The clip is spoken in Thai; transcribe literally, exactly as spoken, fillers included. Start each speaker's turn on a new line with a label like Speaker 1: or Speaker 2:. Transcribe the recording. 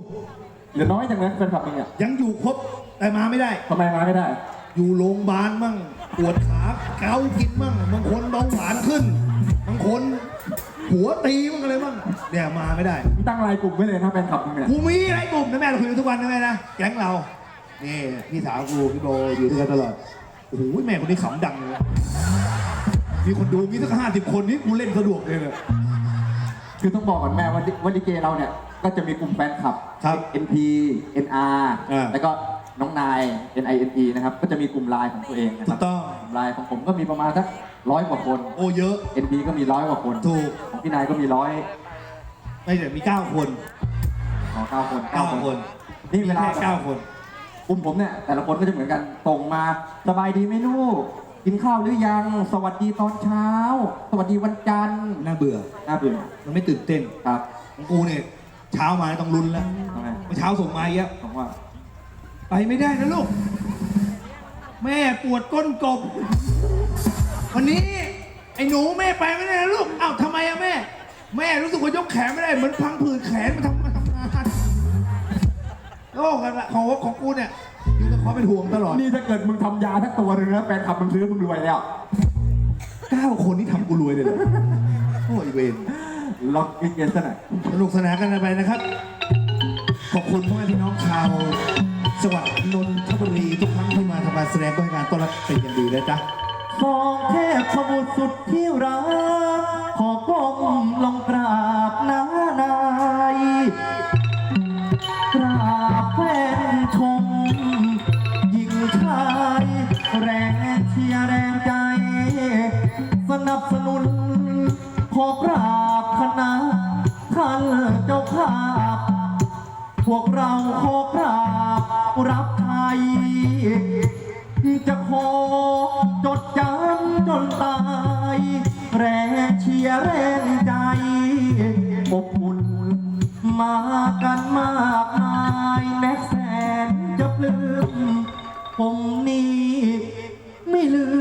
Speaker 1: เหลือน้อยจังนะแฟนคลับมึงเนี่ย
Speaker 2: ยังอยู่ครบแต่มาไม่ได้
Speaker 1: ทำไมมาไม่ได้
Speaker 2: อยู่โรงพยาบาลมั่งปวดขาเกากินมั่งบางคนเบาหวานขึ้นบางคนหัวตีมั่งอะไรมั่งเนี่ยมาไม่ได้
Speaker 1: มึงตั้งรายกลุ่มไว้เลยนะแฟนคลับมึงเนี่ย
Speaker 2: กูมีอะไรกลุ่มนะแม่เราคุยกันทุกวันนะแม่นะแก๊งเรานี่พี่สาวกูพี่โบอยู่ด้วยกันตลอดโอ้โหแม่คนนี้ขำดังเลยมีคนดูมีสักห้าสิบคนนี่กูเล่นสะดวกเลยเลย
Speaker 1: คือต้องบอกก่อนแม่ว่าว่าลิเกเราเนี่ยก็จะมีกลุ่มแฟนคลับ
Speaker 2: ครับ
Speaker 1: เอ็น พี เอ็น อาร์
Speaker 2: อ่า
Speaker 1: แล้วก็น้องนาย เอ็น ไอ เอ็น อี นะครับก็จะมีกลุ่มไลน์ของตัวเองนะค
Speaker 2: ถู
Speaker 1: รับ
Speaker 2: กต้อง
Speaker 1: กลุ่มไลน์ของผมก็มีประมาณสักร้อยกว่าคน
Speaker 2: โอ้เยอะ
Speaker 1: เอ็น พี ก็มีร้อยกว่าคน
Speaker 2: ถูก
Speaker 1: ของพี่นายก็มีร้อย
Speaker 2: ไม่เดี๋ยวมีเก้าคน
Speaker 1: ของเก้าคน
Speaker 2: เก้าคน
Speaker 1: นี่เวลา
Speaker 2: มีแค่เก้าคน
Speaker 1: กลุ่มผมเนี่ยแต่ละคนก็จะเหมือนกันตรงมาสบายดีไหมลูกกินข้าวหรือยังสวัสดีตอนเช้า สวัสดีวันจันทร์
Speaker 2: น่าเบื่อ
Speaker 1: น่าเบื่อ
Speaker 2: มันไม่ตื่นเต้น
Speaker 1: ครับ
Speaker 2: ของกูเนี่ยเช้ามาต้องลุ้นแล้ว
Speaker 1: ทำไม
Speaker 2: เมื่อเช้าส่งมาเยอะ
Speaker 1: ผมว่า
Speaker 2: ไปไม่ได้นะลูก แม่ปวดก้นกบ วันนี้ไอ้หนูแม่ไปไม่ได้นะลูกอ้าวทำไมอะแม่ แม่รู้สึกว่ายกแขนไม่ได้เหมือนพังผืดแขนมาทำมาทำงานโอ้กันละของของกูเนี่ยอยู่กับความเป็นห่วงตลอด
Speaker 1: นี่ถ้าเกิดมึงทำยาทั้งตัวเลยนะแฟนคลับมึงซื้อมึงรวยแล้ว
Speaker 2: เก้าคนที่ทำกูรวยเลยเหรอโอ้ยเวร
Speaker 1: ลองกินเย็นซะหน่อย
Speaker 2: สนุกสนานกันไปนะครับ ขอบคุณพ่อแม่พี่น้องชาวจังหวัดนนทบุรีทุกครั้งที่มาทำการแสดงก็ให้การต้อนรับเป็นอย่างดีเลยจ้ะ
Speaker 1: ฟองเทพสมุทรสุดที่รักขอก้มลงกราบนานายกราบแฟนชมหญิงชายแรงเชียร์แรงใจ สนับสนุนขอกราบคณะท่านเจ้าภาพ พวกเราขอกราบรับไทย จะขอจดจำจนตาย แรงเชียร์แรงใจอบอุ่นมากันมากมายแน็กแสนจะปลื้มผมนี่ไม่ลื